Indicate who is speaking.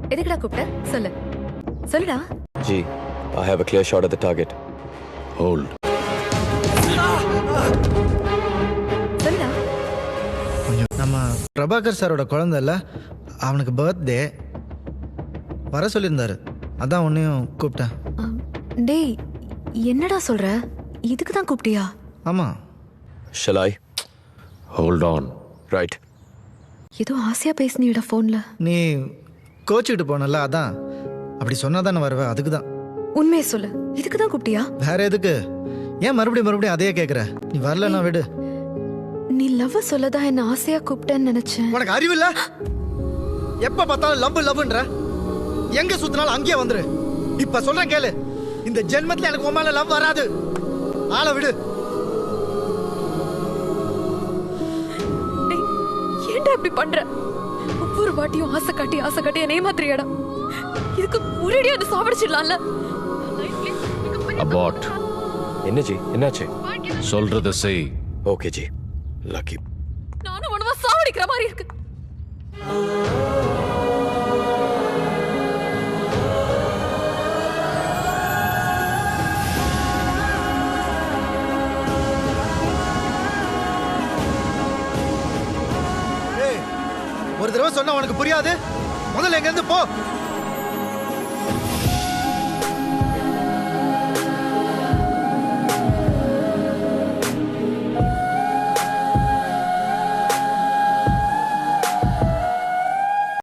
Speaker 1: எதுக்குடா கூப்பிட்ட? சொல்லு சொல்லுடா.
Speaker 2: Ji, I have a clear shot at the target.
Speaker 3: Hold.
Speaker 1: சொல்லுடா.
Speaker 4: நம்ம பிரபாகர் சாரோட குழந்தை இல்ல, அவனுக்கு பர்த்டே வர சொல்லியிருந்தாரு, அதான் உன்னையும் கூப்பிட்டேன்.
Speaker 1: டேய் என்னடா சொல்ற? இதுக்கு தான் கூப்பிட்டியா?
Speaker 4: ஆமாம்.
Speaker 2: Shall I?
Speaker 3: Hold on.
Speaker 2: Right.
Speaker 1: ஏதோ ஆசையா பேசினியடா ஃபோன்ல.
Speaker 4: நீ கோச்சிக்கிட்டு போனல, அதான். அப்படி சொன்னா தானே வருவேன், அதுக்கு தான்.
Speaker 1: உண்மையை சொல்லு, இதுக்கு தான் கூப்பிட்டியா?
Speaker 4: வேற எதுக்கு? ஏன் மறுபடியும் அதையே கேட்குற? நீ வரலன்னா விடு.
Speaker 1: நீ லவ் சொல்லதான் என்ன ஆசையா கூப்பிட்டேன்னு நினைச்சேன்.
Speaker 4: உனக்கு அறிவு இல்ல? எப்ப பார்த்தாலும் லவ்ன்ற, எங்க சுத்தினாலும் அங்கேயே வந்துரு. இப்ப சொல்றேன் கேளு, இந்த ஜென்மத்துல எனக்கு உன் மேல லவ் வராது. ஆளை விடு.
Speaker 1: டேய், ஏன்டா இப்படி பண்ற? ஒவ்வொரு வாட்டியும் ஆசை காட்டி என்னைய மாத்திரியாடா. இதுக்கு ஒரேடியா என்ன சாவடிச்சிடலாம்ல.
Speaker 3: Abort.
Speaker 2: என்ன ஜி, என்னாச்சு?
Speaker 3: சொல்றத செய்.
Speaker 2: ஓகே ஜி. லக்கி.
Speaker 1: நானும் உனவா சாவடிக்கிற மாதிரி இருக்கு.
Speaker 4: ஒரு தடவை சொன்னா உனக்கு புரியாது. முதல்ல எங்க இருந்து போ.